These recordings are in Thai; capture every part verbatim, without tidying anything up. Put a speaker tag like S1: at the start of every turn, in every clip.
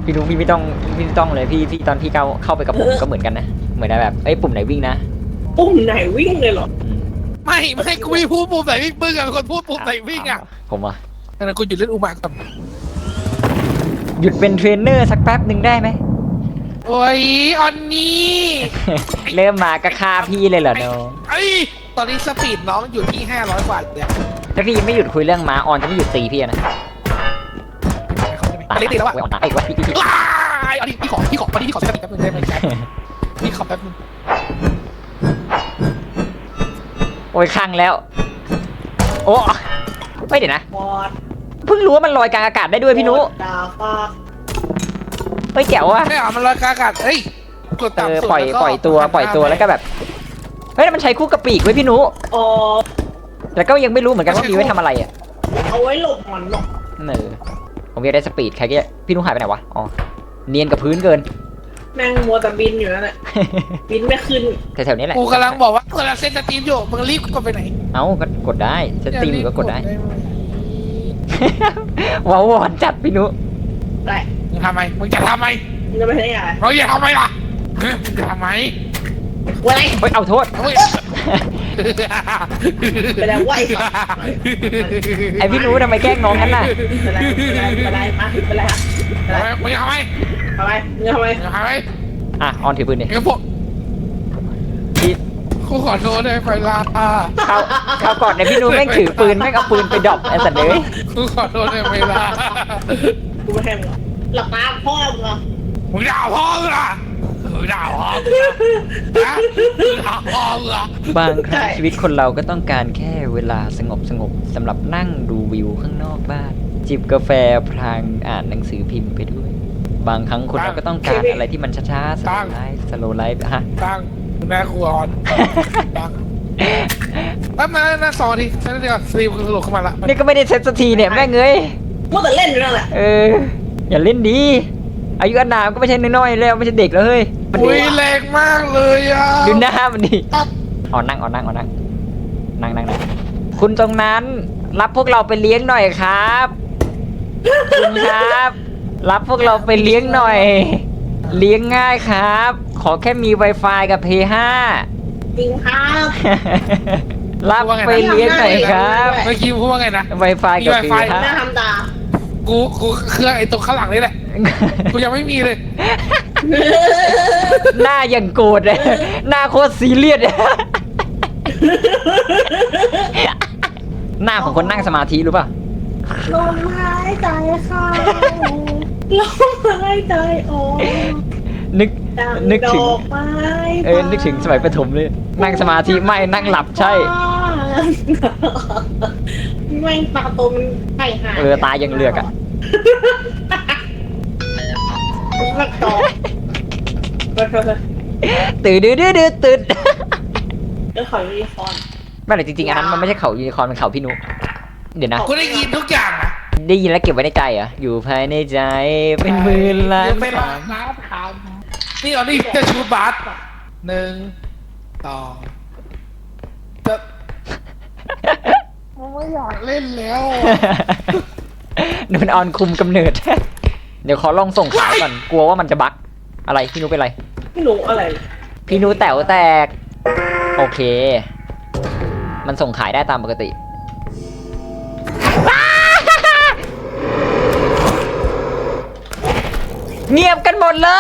S1: พี่นุ๊กพี่ไม่ต้องพี่ไม่ต้องเลยพี่พี่ตอนพี่เข้าเข้าไปกับผมก็เหมือนกันนะเหมือนแบบเอ้ยปุ่มไหนวิ่งนะ
S2: ปุ่มไหนวิ่งเลยเหรอ
S1: อืม
S3: ไม่ไม่กูไม่พูดปุ่มไหนวิ่งมึงอะเป็นคนพูดปุ่มไหนวิ่งอะ
S1: ผมอ่ะ
S3: งั้นกูหยุดเล่นอุมาก่อน
S1: หยุดเป็นเทรนเนอร์สักแป๊บหนึ่งได้ไหม
S3: โอ้ยออนนี่
S1: เริ่มมาก็ฆ่าพี่เลยเหรอน้อง
S3: ไอ้ตอนนี้สปีดน้องอยู่ที่ห้าร้อยกว่าเนี่ย
S1: ถ้าพี่ไม่หยุดคุยเรื่องม้าออนจะไม่หยุดตีพี่นะ
S3: ตายตีแล้วอะ
S1: เว้ยออนตายไอ้วะพี่พี่พี่
S3: ว้ายอันนี้พี่ขอพี่ขอวันนี้พี่ขอใช้สติแป๊บนึงได้ไหมครับพี่ขอแป๊บนึง
S1: โอ้ยข้างแล้วโอ้ไม่เดี๋ยวนะ
S2: บอด
S1: เพิ่งรู้ว่ามันลอยกลางอากาศได้ด้วยพี่นุ
S2: ดาฟ้า
S1: เฮ้ยแจ๋วว่ะ
S3: ไม่เอามันลอยกลางอากาศเฮ้ยกด
S1: เอ
S3: ต่ำ
S1: อ
S3: สุด
S1: ปล่อย
S3: แล้วก็
S1: ปล่อยตัวปล่อยตัวแล้วก็แบบเฮ้ยมันใช้คู่กับปีกไว้ยพี่นุ
S2: อ๋อ
S1: แต่ก็ยังไม่รู้เหมือนกันว่ามีไว้ทำอะไรอ่ะ
S2: เอาไว้หลบมันหรอก
S1: เออผมอยากได้สปีดใครก็พี่นุหายไปไหนวะอ๋อเนียนกับพื้นเกิน
S2: แม่งมัวแต่บินอยู่นั่นแหละบินไม่ขึ้น
S1: แถวๆนี้แหละ
S3: กูกำลังบอกว่ากูกำลังเซ็นสตรีมอยู่มึงรีบกดไปไหน
S1: เอ้าก็กดได้สตรีมก็กดได้ ว้าววอนจัดพี่นุ
S2: ได้
S3: มึงทำไมมึงจะทำไม
S2: มึงจะไปไหนอ่ะ
S3: มึงจะทำไมล่ะมึงจะทำไม
S2: อะไร
S1: เฮ้ยเอาโทษ
S3: เฮ้ย
S2: ไปแล้วไหวสัตว์
S1: ไอพี่นุทำไมแกล้งน้องกันน่ะ
S2: ไปแล้วไปแล้วมาไปแล้วไปแล้ว
S3: มึงจะทำไม
S2: ทำไมมึงทำไม
S3: มึงจะทำไม
S1: อ่ะออนถือปืนดิ
S3: มึงพวก
S1: พี่
S3: กูขอโทษได้ไปละ
S1: เขาเขาก่อนเนี่ยพี่นุแม่งถือปืนแม่งเอาปืนไปดรอปไอ้สัตว์เลย
S3: กูขอโทษได้ไปละ
S2: กูไม่ให้มึงหลับตาพ่อมึงเหรอ
S3: มึงด่าพ่อมึงอ่ะมึงด่าพ่อมึงอ่ะมึงด่าพ่อมึงอ่ะ
S1: บางครั้งชีวิตคนเราก็ต้องการแค่เวลาสงบสงบสำหรับนั่งดูวิวข้างนอกบ้าน จิบกาแฟพลางอ่านหนังสือพิมพ์ไปด้วย บางครั้งคนเราก็ต้องการอะไรที่มันช้าๆสโลว์ไลฟ์สโลว์ไลฟ์ฮะ
S3: ตั้งแม่ครัวอ่อนตั้งแป๊บนึงนะสองนาทีฉันเดี๋ยวสตรีมสรุปเข้ามาละ
S1: นี่ก็ไม่ได้เซ็ตสักทีเนี่ยแม่งเอ้ย
S2: มัวแต่เล่นอยู่นั่นแหละ
S1: เอออย่าเล่นดีอายุอานามก็ไม่ใช่น้อยๆแล้วไม่ใช่เด็กแล้วเฮ้ยมัน
S3: อุ้ยแรงมากเลยอ่ะ
S1: ดูหน้ามันดิอ๋อนั่งอ๋อนั่งอ๋อนั่งนั่งนั่งนั่งคุณตรงนั้นรับพวกเราไปเลี้ยงหน่อยครับคุณครับ รับพวกเราไปเลี้ยงหน่อย เลี้ยงง่ายครับ ขอแค่มี Wi-Fi กับ เพย์ ห้า
S2: จริงครับ
S1: รับไปเลี้ยงหน่อยครับ
S3: เมื่อกี้พูดว่าไงนะ
S1: Wi-Fi กับ เพย์ ห้า
S2: หน้าทำตา
S3: กูกูเครื่องไอ้ตรงข้างหลังนี่แหละกูยังไม่มีเลย
S1: หน้าอย่างโกรธเลยหน้าโคตรซีเรียสเลยหน้าของคนนั่งสมาธิรู้ป่ะ
S2: ลมหายใจเข้าลมหายใจออก
S1: นึก
S2: ดัง
S1: นึก
S2: ด
S1: ถึง
S2: อกไม้
S1: เออนึกถึงสมัยประถมเลย นั่งสมาธิไม่นั่งหลับใช่
S2: แม่งตาโตมันไข่หาย
S1: เออตายังเหลือกอ่ะ
S2: มันตอกเฮ้ย
S1: ตื่นดื้อดื้อดื้อตื่น
S2: เรื่องของยูนิคอร์น
S1: ไม่แต่จริงๆอันนั้นมันไม่ใช่เขายูนิคอร์นมันเขาพี่นุเดี๋ยวนะ
S3: กูได้ยินทุกอย่างนะ
S1: ได้ยินแล้วเก็บไว้ในใจเหรออยู่ภายในใจเป็นหมื่นล้าน
S3: เดี๋ยวไปล้างน้ำทำนี่เอานี่จะชูบาสหนึ่งสองจะไม่อยากเล่นแล้ว
S1: นี่มันออนคุมกำเนิด เดี๋ยวขอลองส่งขายก่อน กลัวว่ามันจะบั๊กอะไรพี่นุเป็นไร
S2: ไม่รู้อะไร
S1: พี่นุแต๋วแตก โอเค มันส่งขายได้ตามปกติ เงียบกันหมดเลย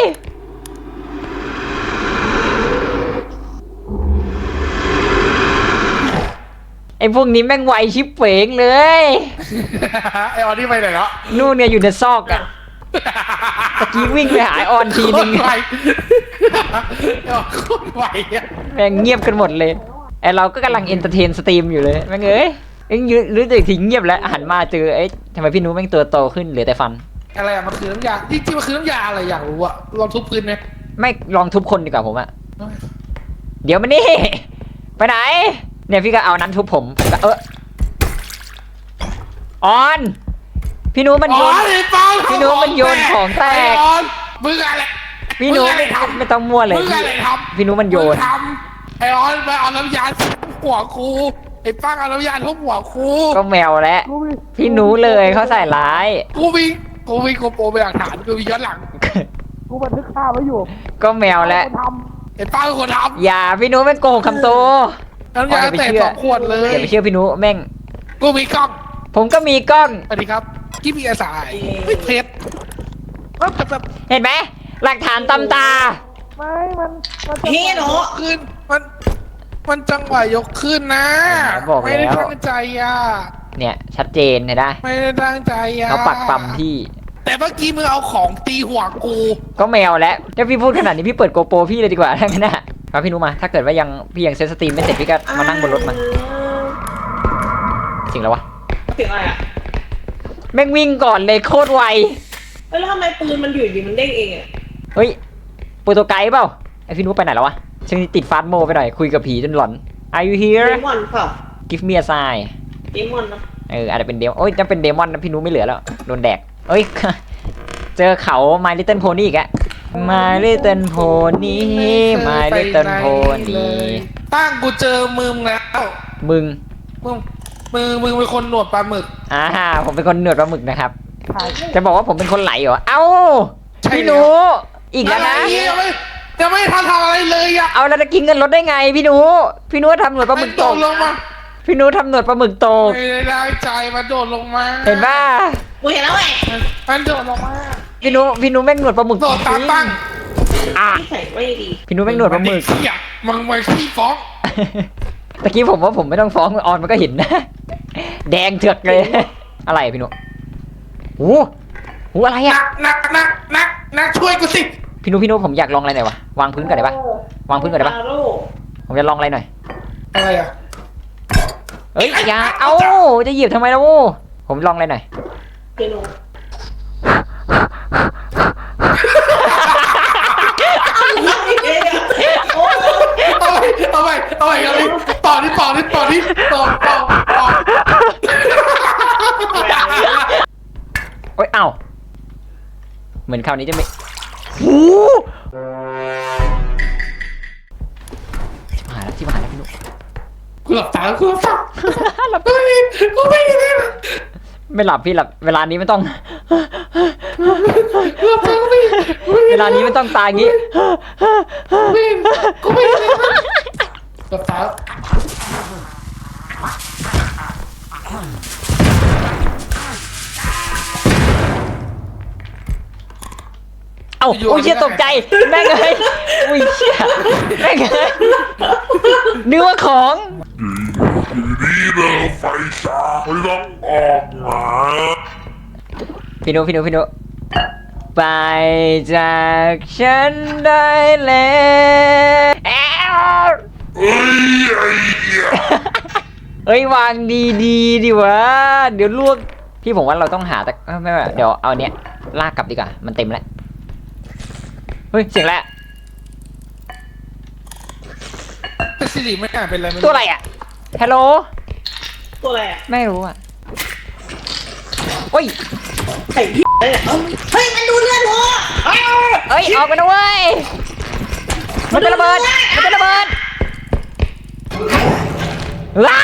S1: ไอ้พวกนี้แม่งไวชิบเป๋งเลย
S3: ไอออนนี่ไปไหนแล้ว
S1: นู่นเนี่ยอยู่ในซอกอะตะกี้วิ่งไปหาไอ้ออนทีนึง
S3: โคตรไวไอออนโคตรไวอะ
S1: แม่งเงียบกันหมดเลยไอเราก็กำลังเอนเตอร์เทนสตรีมอยู่เลยแม่งเอ้ยเอ็งยืนรู้สึกทิ้งเงียบแล้วหันมาเจอไอ้ทำไมพี่นุ้แม่งตัวโตขึ้นเหลือแต่ฟัน
S3: อะไรอะมันคือน้ำยาจริงๆมันคือน้ำยาอะไรอยากรู้อะลองทุบพื้นไหม
S1: ไม่ลองทุบคนดีกว่าผมอะเดี๋ยวมานี่ไปไหนเนี่ยพี่ก็เอานั้นทุบผมผมก็เออออนพี่นุ้มันโยน
S3: อ๋อไอ้ปอน
S1: พี่นุ้มันโยนของแตก
S3: ไอ้ออนมึงอะไร
S1: พี่นุ้
S3: มึงอะไรทำ
S1: ไม่ต้องมั่วเลย
S3: มึง
S1: พี่
S3: อะไรทำ
S1: พี่นุ้มันโยน
S3: มึงทำไอ้ออนไปเอาน้ำยาทุบหัวครูไอ้ป้างเอาน้ำยาทุบหัวครู
S1: ก็แมวแล้วพี่นุ้เลยเขาใส่ร้าย
S3: กูมีกูมีโกโปรเป็นหลักฐานกูมีย้อนหลังกูบันทึกภาพไว้อยู่
S1: ก็แมวแล้ว
S3: คนทำเห็นป้าเป็นคนทำ
S1: อย่าพี่นุแม่งโกหกคำโต
S3: น้ำยาเตะสองขวดเลย
S1: อย่าไปเชื่อพี่นุแม่ง
S3: กูมีกล้อง
S1: ผมก็มีกล้อง
S3: สวัสดีครับที่มีอาสายไม่เพชรแบบแบบ
S1: เห็นไหมหลักฐานตำตา
S3: ไม่มันมัน
S2: พี่หนู
S3: ขึ้นมันมันจังหวะยกขึ้นนะ
S1: บอกแล้ว
S3: ไม่ได้ตั้งใจอ่ะ
S1: เนี่ยชัดเจนเห็นได้
S3: ไม่ได้ตั้งใจอ่ะ
S1: เขาปักปั๊มที่
S3: แต่เมื่อกี้มึงเอาของตีหัวกู
S1: ก็แมวแล้วถ้าพี่พูดขนาดนี้พี่เปิดโกโปรพี่เลยดีกว่าทั้งนั้นนะครับพี่นุมาถ้าเกิดว่ายังพี่ยังเซตสตรีมไม่เสร็จพี่ก็มานั่งบนรถมาสิ่งแล้ววะ
S2: เสียงอะไรอ่ะ
S1: แม่งวิ่งก่อนเลยโคตรไว
S2: แล้วทำไมปืนมันอยู่ดีมันเด้งเองอ่ะ
S1: เฮ้ยโปรโตไกด์เปล่าไอพี่นุไปไหนแล้ววะช่วงนี้ติดฟาสต์โมไปหน่อยคุยกับผีจนหลอน Are you
S2: เด
S1: here
S2: มอนเปล่า
S1: Give me a sign
S2: เดมอนนะ
S1: เอออาจจะเป็นเดมโอ้ยจะเป็นเดมอนนะพี่นุไม่เหลือแล้วโดนแดกเอ้ย เจอเขา My Little Pony อีกอะ My Little Pony My Little Pony
S3: ตั้งกูเจอมึงแล้ว
S1: มึง
S3: มึงมึงมึงเป็นคนหนวดปลาหมึก
S1: อ่าผมเป็นคนหนวดปลาหมึกนะครับ จะบอกว่าผมเป็นคนไหลเหรอ เอ้า
S3: ใช่
S1: พี่หนูอีกแล้วนะ
S3: อะไรยังไม่ยังไม่ทันทำอะไรเลยอ่ะ
S1: เอาแล้วจะกินเงินรถได้ไงพี่หนูพี่หนูทำหนวดปลาหมึก
S3: โด
S1: ต
S3: ด
S1: ก
S3: ลงมา
S1: พี่หนูทำหนวดปลาหมึกตก
S3: ไม่ได้ตั้งใจมาโดดลงมา
S1: เห็นป่ะ
S2: กูเห็นแล้วแหละ
S3: มันโดดลงมา
S1: พี่หนูพี่หนูแม่งหนวดปลาหมึก
S3: โดดตามตั้ง
S1: อ่ะ
S2: ที่ใส่ไม่ดี
S1: พี่หนูแม่งหนวดปลาหมึก
S3: เหี้ยมึงมาขี้ฟ้อง
S1: ตะกี้ผมว่าผมไม่ต้องฟ้องออนมันก็เห็นนะ แดงเถือกเลย อะไรพี่หนูโอ้โหอะไร
S3: นั
S1: อะ
S3: กนักนักนักนักช่วยกูสิ
S1: พี่หนูพี่หนูผมอยากลองอะไรหน่อยวะวางพื้นก่อนได้ปะวางพื้นก่อนได้ปะ
S2: ฮาโร่
S1: ผมจะลองอะไรหน่อย
S3: อะไรอ่ะ
S1: เอ้ยอย่าเอ้าจะเหยียบทำไมล่ะโว้ผมลองอะไรหน่อย
S2: เปียโนโอ้
S3: เอาไปเอาไปเอาไปเอาไปต่อที่ต่อที่ต่อที่ต่อต่อต่อ
S1: โอ้ยเอ้าเหมือนคราวนี้จะไม่โอ้ชิบหายแล้วชิบหายแล้วพี่หนู
S3: กูหลับตากูหลับตาหลับตากูไม่ได้
S1: ไม่หลับพี่หลับเวลานี้ไม่ต้อง
S3: หลับตากูไม่
S1: เวลานี้ไม่ต้องตายอย่างงี้
S3: ไม่กูไม่ได้หลับตา
S1: เอ้าโอ้ยเชี่ยตกใจแม่งเลยอุ้ยเชี่ยแม่งเลยนึกว่าของ
S4: นี่เราไฟฉายไม่ต้องออกมา
S1: พี่นุพี่นุพี่นุไปจากฉันได้แล้วแอ้ว
S4: เฮ้ยไอ้เหี้ย
S1: เอ้ยวางดีดีๆดิวะเดี๋ยวลวกพี่ผมว่าเราต้องหาแต่เอ้ยไม่ไม่เดี๋ยวเอาเนี้ยลากกลับดีกว่ามันเต็มแล้วเฮ้ยเสียงแล้ว
S3: เป็นสิริไม่น่าเป็นอะไรไม่
S1: ตัวอะไรอ่ะฮัลโหล
S2: ตัวอะไรอ่ะ
S1: ไม่รู้อ่ะโอ้ย
S2: ใส่พี่เลยเอ้าเฮ้ยมันดูเลือดหัวเอ้า
S1: เอ้ยออกมาด้วยมันจะระเบิดมันจะระเบิดว้า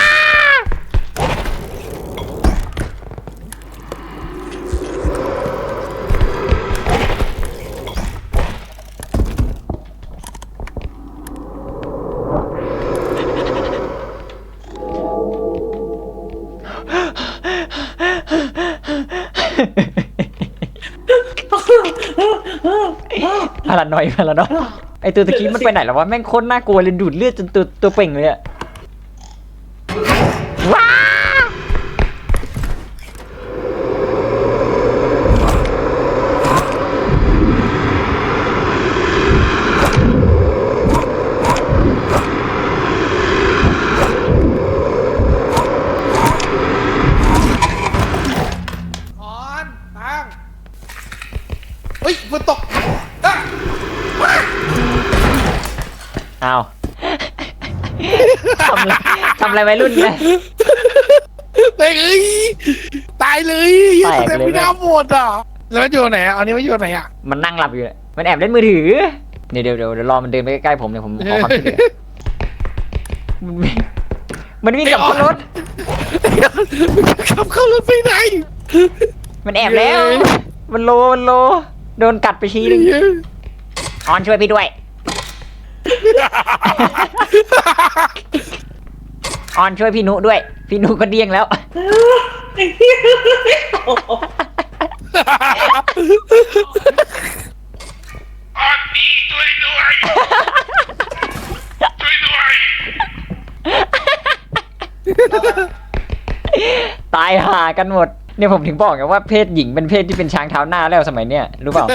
S1: พารานอยพารานอยไอตัวตะกี้มันไปไหนแล้ววะแม่งโคตรน่ากลัวเลยดูดเลือดจนตัวตัวเป่งเลยอะว้า
S3: ถอนตั้งเฮ้ยฝนตกอ่ะ
S1: อ้าวทำอะไรทำอะไรวัยรุ่นเนี่ย
S3: เฮ้ยตายเลย
S1: แตกเลย
S3: แต่ไม่น่าหมดอ่ะแล้วมันอยู่ไหนอ่ะอันนี้มันอยู่ไหนอ่ะ
S1: มันนั่งหลับอยู่เนี่ยมันแอบเล่นมือถือเดี๋ยวเดี๋ยวเดี๋ยวเดี๋ยวรอมันเดินไปใกล้ๆผมเนี่ยผมขอความช่วยเหลือมันวิ่งมันวิ่งกลับขึ้นรถ
S3: ขับเข้ารถไปไหน
S1: มันแอบแล้ว มมันโลมันโลโดนกัดไปทีนึงออนช่วยพี่ด้วยออนช่วยพี่นุด้วยพี่นุก็เดี้ยงแล้ว
S2: ไอ้เหี้ยโอ้โห
S4: ออนนี่ช่วยด้วยช่วยด้วย
S1: ตายห่ากันหมดเนี่ยผมถึงบอกไงว่าเพศหญิงเป็นเพศที่เป็นช้างเท้าหน้าแล้วสมัยเนี้ยรู้เปล่า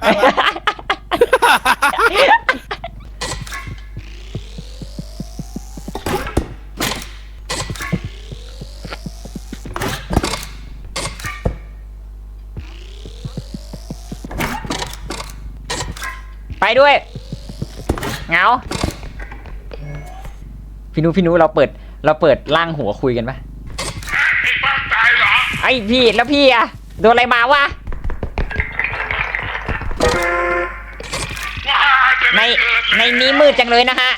S1: ไปด้วยเหงาพี่นุพี่นุเราเปิดเราเปิดล่างหัวคุยกันปะ
S4: ไอ้บ้าตายเหรอ
S1: ไอ้พี่แล้วพี่อะโดนอะไรมาวะ
S4: ว้าจะ
S1: ใน
S4: ได้เกิด
S1: ในนี้มืดจังเลยนะฮะ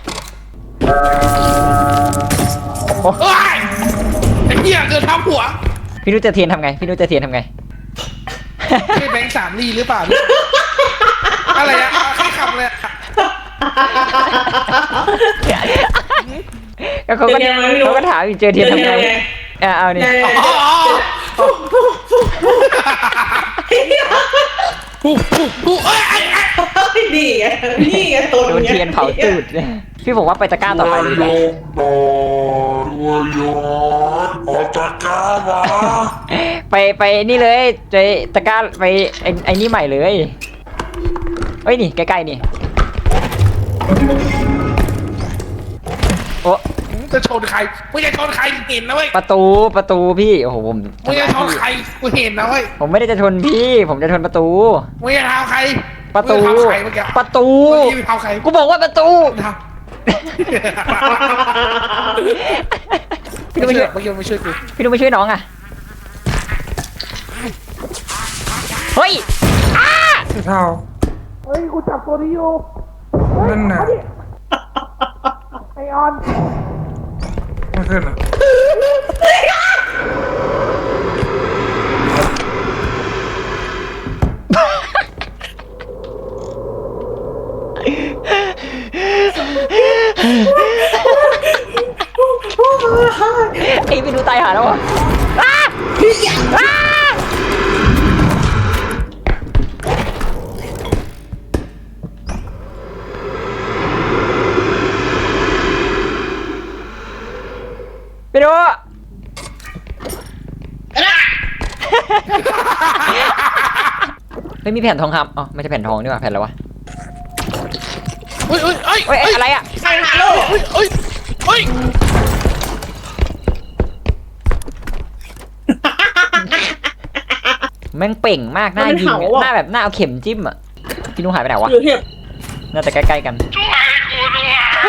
S3: เฮ้ยไอ้เหี้ยเดินทับหัว
S1: พี่นุจะเทียนทำไงพี่นุจะเทียนทำไง
S3: ใช่แบงค์สามลีหรือเปล่าอะไรอะใครขับเลยอะ
S1: แล้วเขาก็เขาก็ถามอีกเจอเทียนทำไงอ่ะเอานี่
S3: อ๋อผู้ผู้ผู้เอ้ยไอ้ไอ้
S2: นี่ไงนี่ไงตัว
S1: โดนเทียนเผาตูดเนี่ยพี่บอกว่าไปตะกร้าต่อไปเลย
S4: โยมต่อด้วยยอนออกจากกามา
S1: ไปไปนี่เลยไปตะกร้าไปไอ้ไอ้นี่ใหม่เลยเอ้ยนี่ใกล้ๆนี่โอ้
S3: จะชนใครไม่จะชนใครเห็นนะเว้ย
S1: ประตูประตูพี่โอ้โหผม
S3: ไม่จะชนใครกูเห็นนะเว้ย
S1: ผมไม่ได้จะชนพี่ ผมจะชนประตู
S3: ไม่จะทำใคร
S1: ประตู
S3: ไม่จะทำใครเมื่อกี้
S1: ประตู
S3: เมื่อกี้ไปทำใคร
S1: กูบอกว่าประตู
S3: ทำ พี่ไม่ช่วยเมื่อกี้ไม่ช่วยกู
S1: พี่นุ้ไม่ช่วยน้องอ่ะเฮ้ยอ้า
S5: เท่า
S3: เฮ้ยกูจับตัวนี้อยู่
S5: นั่นน่ะ
S3: ไอออน
S5: ไม่ขึ้นอ่ะ
S1: ไอ้พี่นุ้ตายหาแล้วอ่ะอ้าอ้าพี่นุ้เฮ้ยมีแผ่นทองคำอ๋อไม่ใช่แผ่นทองนี่หว่าแผ่นอะไรวะ
S3: เฮ้ยเฮ้ยเฮ้ย
S1: เฮ้ยเอ้ยอะไรอ่ะ
S2: ใครหาโลก
S3: เฮ้ยเฮ้ยเฮ้ย
S1: แม่งเป่งมากหน้ายิงอะหน้าแบบหน้าเอาเข็มจิ้มอ่ะพี่นุ้หายไปไหนวะ
S2: อยู่เทียบ
S1: น่าจะใกล้ๆกัน
S4: ช่วยกูด้วย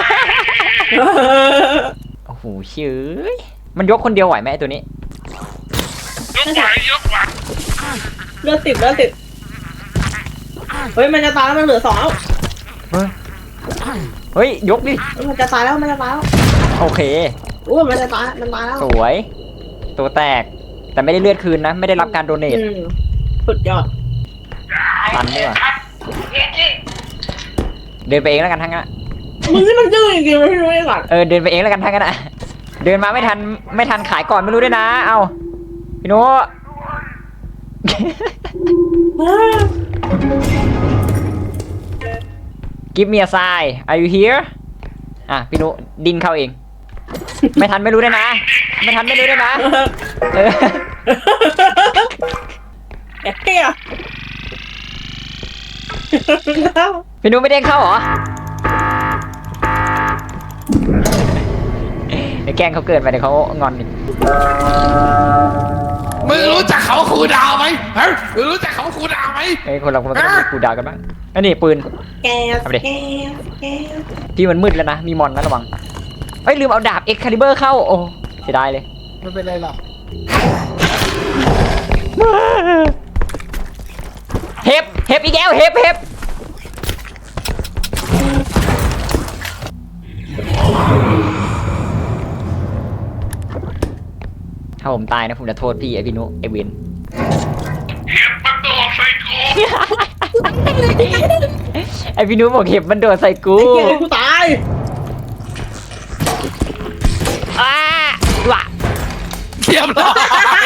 S1: โอ้โหเชื่อมันยกคนเดียวไหวไหมไอ้ตัวนี้
S4: ยกไหวยกไหว
S2: เลือดติดเลือดติดเฮ้ยมันจะตายแล้วมันเหลือสองแล้ว
S1: เฮ้ยเฮ้ยยกดิ
S2: มันจะตายแล้วมันจะตายแล้ว
S1: โอเค
S2: อู้มันจะตายมันตายแล้ว
S1: สวย ตัวแตก แต่ไม่ได้เลือดคืนนะ ไม่ได้รับการโดเนท
S2: อืมสุดยอด
S1: ตันด้วยว่ะเดินไปเองแล้วกันทั้งนั้นอะ
S2: มึงนี่มันดื้อจริงๆไม่รู้ไอ้หลัง
S1: เออเดินไปเองแล้วกันทั้งนั้นอะเดินมาไม่ทันไม่ทันขายก่อนไม่รู้ด้วยนะ เอาพี่โน้ Give me a sign Are you here อ่ะพี่โน้ดินเข้าเอง ไม่ทันไม่รู้ด้วยนะ ไม่ทันไม่รู้ด้วยนะเออ
S2: แอบเปี้ย
S1: พี่นุ้ไม่เด้งเข้าเหรอเดี๋ยวแกล้งเขาเกินไปเดี๋ยวเขางอนอีก
S3: มึงรู้จักเขาครูดาวไหมฮะมึงรู้จักเขาครูดาวไหม
S1: ไอ้ยคนเราคนเราต้องมีกูดาวกันบ้างอันนี้ปืน
S2: แกส
S1: เอาไปดิ
S2: แกสแกส
S1: พี่มันมืดแล้วนะ มีมอนนะระวังเอ้ยลืมเอาดาบเอ็กคาลิเบอร์เข้า โอ้เสียดายเลย
S3: ไม่เป็นไรหรอก
S1: เฮฟเฮฟอีกแล้วเฮฟเฮฟถ้าผมตายนะผมจะโทษพี่ไอพี่นุไอเวน
S4: เก็บประตู
S1: พี่นุ้ยบอกเห็บมันโดดใส่กู
S2: ไอ้เกียร์กูตาย
S1: อ้าว่ะ
S3: เรียบร้อย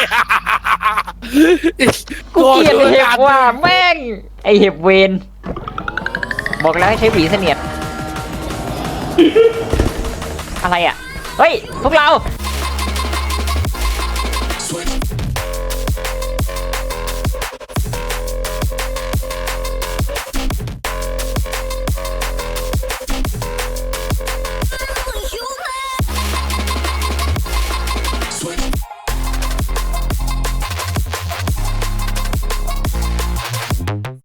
S1: กูเกลียดเห็บว่ะแม่งไอเห็บเวนบอกแล้วให้ใช้หวีเสนียดอะไรอ่ะเฮ้ยพวกเรา